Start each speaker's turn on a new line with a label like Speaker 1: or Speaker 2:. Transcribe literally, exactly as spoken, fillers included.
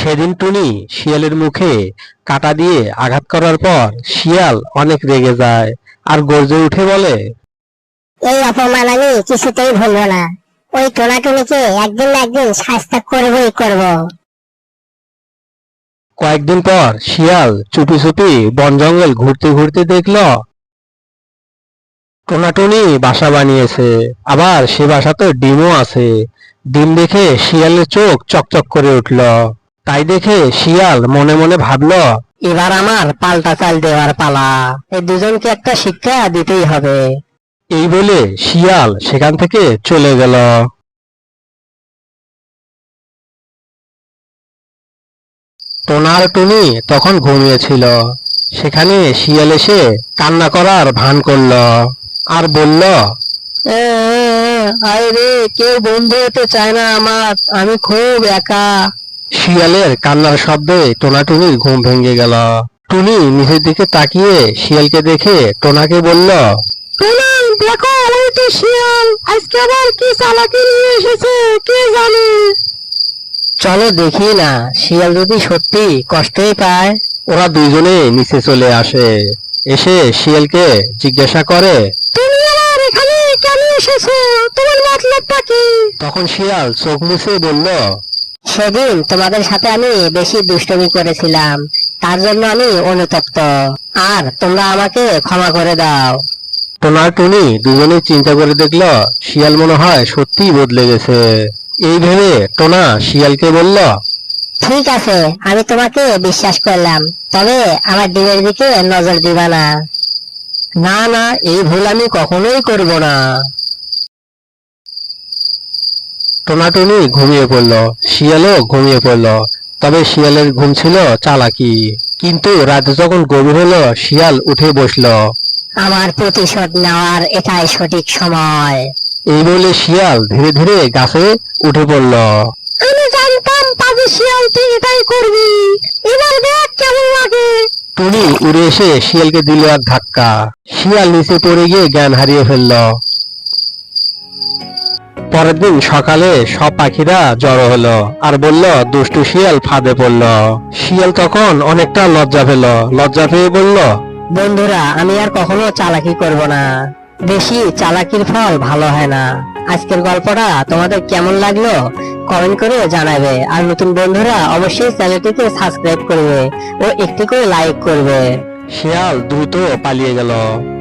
Speaker 1: সেদিন টুনি শিয়ালের মুখে কাঁটা দিয়ে আঘাত করার পর শিয়াল অনেক রেগে যায় আর গর্জে উঠে বলে,
Speaker 2: এই অপমান আমি কিছুতেই ভুলবো না। ওই টোনাটুনিকে একদিন না একদিন শাস্তি করবই করব।
Speaker 1: কয়েকদিন পর শিয়াল চুপি চুপি বন জঙ্গল ঘুরতে ঘুরতে দেখল টোনাটুনি বাসা বানিয়েছে, আবার সে বাসাতে ডিমও আছে। ডিম দেখে শিয়ালের চোখ চকচক করে উঠল। তাই দেখে শিয়াল মনে মনে ভাবল,
Speaker 2: এবার আমার পাল্টা চাল দেওয়ার পালা। এই দুজনকে একটা শিক্ষা দিতেই হবে।
Speaker 1: এই বলে শিয়াল সেখান থেকে চলে গেল। টোনা আর টুনি তখন ঘুমিয়েছিল। সেখানে শিয়াল এসে কান্না করার ভান করল আর বলল,
Speaker 2: আরে কেউ বন্ধু হতে চায় না আমার, আমি খুব একা।
Speaker 1: শিয়ালের কান্নার শব্দে টোনাটুনির ঘুম ভেঙে গেল। টুনি নিচের দিকে তাকিয়ে শিয়ালকে দেখে টোনাকে বলল,
Speaker 2: টোনা দেখো, ওই তো শিয়াল আজকে আবার কি চালাকি নিয়ে এসেছে কে জানে। চলো দেখি না, শিয়াল যদি সত্যি কষ্টই পায়।
Speaker 1: ওরা দুইজনে নিচে চলে আসে। এসে শিয়ালকে জিজ্ঞাসা করে,
Speaker 2: তুমি আবার এখানে কেন এসেছো? তোমার মতলবটা কি?
Speaker 1: তখন শিয়াল চোখ মুছে বলল,
Speaker 2: সেদিন তোমাদের সাথে আমি বেশি দুষ্টুমি করেছিলাম, তার জন্য আমি অনুতপ্ত। আর তোমরা আমাকে ক্ষমা করে দাও।
Speaker 1: টোনা আর টুনি দুজনে চিন্তা করে দেখল শিয়াল মনে হয় সত্যিই বদলে গেছে। এই ভেবে টোনা শিয়ালকে বলল,
Speaker 2: ঠিক আছে, আমি তোমাকে বিশ্বাস করলাম, তবে আমার ডিমের দিকে নজর দিবা না।
Speaker 1: না না, এই ভুল আমি কখনোই করব না। টোনাটুনি ঘুমিয়ে পড়ল, শিয়ালও ঘুমিয়ে পড়ল। তবে শিয়ালের ঘুম ছিল চালাকি। কিন্তু রাতে যখন গভীর হলো শিয়াল উঠে বসল।
Speaker 2: আমার প্রতিশোধ নেওয়ার এটাই সঠিক সময়।
Speaker 1: এই বলে শিয়াল ধীরে ধীরে গাছে উঠে পড়ল।
Speaker 2: আমি জানতাম পাজি শিয়াল তুই এটাই করবি। এবার দেখ কেমন লাগে।
Speaker 1: টুনি উড়ে এসে শিয়ালকে দিল এক ধাক্কা। শিয়াল নিচে পড়ে গিয়ে জ্ঞান হারিয়ে ফেলল। পরের দিন সকালে সব পাখিরা জড়ো হলো আর বলল দুষ্টু শিয়াল ফাঁদে পড়ল। শিয়াল তখন অনেকটা লজ্জা পেল। লজ্জা পেয়ে বলল,
Speaker 2: বন্ধুরা, আমি আর কখনো চালাকি করব না। বেশি চালাকির ফল ভালো হয় না। আজকের গল্পটা তোমাদের কেমন লাগলো কমেন্ট করে জানাবে। আর নতুন বন্ধুরা অবশ্যই চ্যানেলটিকে সাবস্ক্রাইব করবে ও একটি করে লাইক করবে।
Speaker 1: শিয়াল দ্রুত পালিয়ে গেল।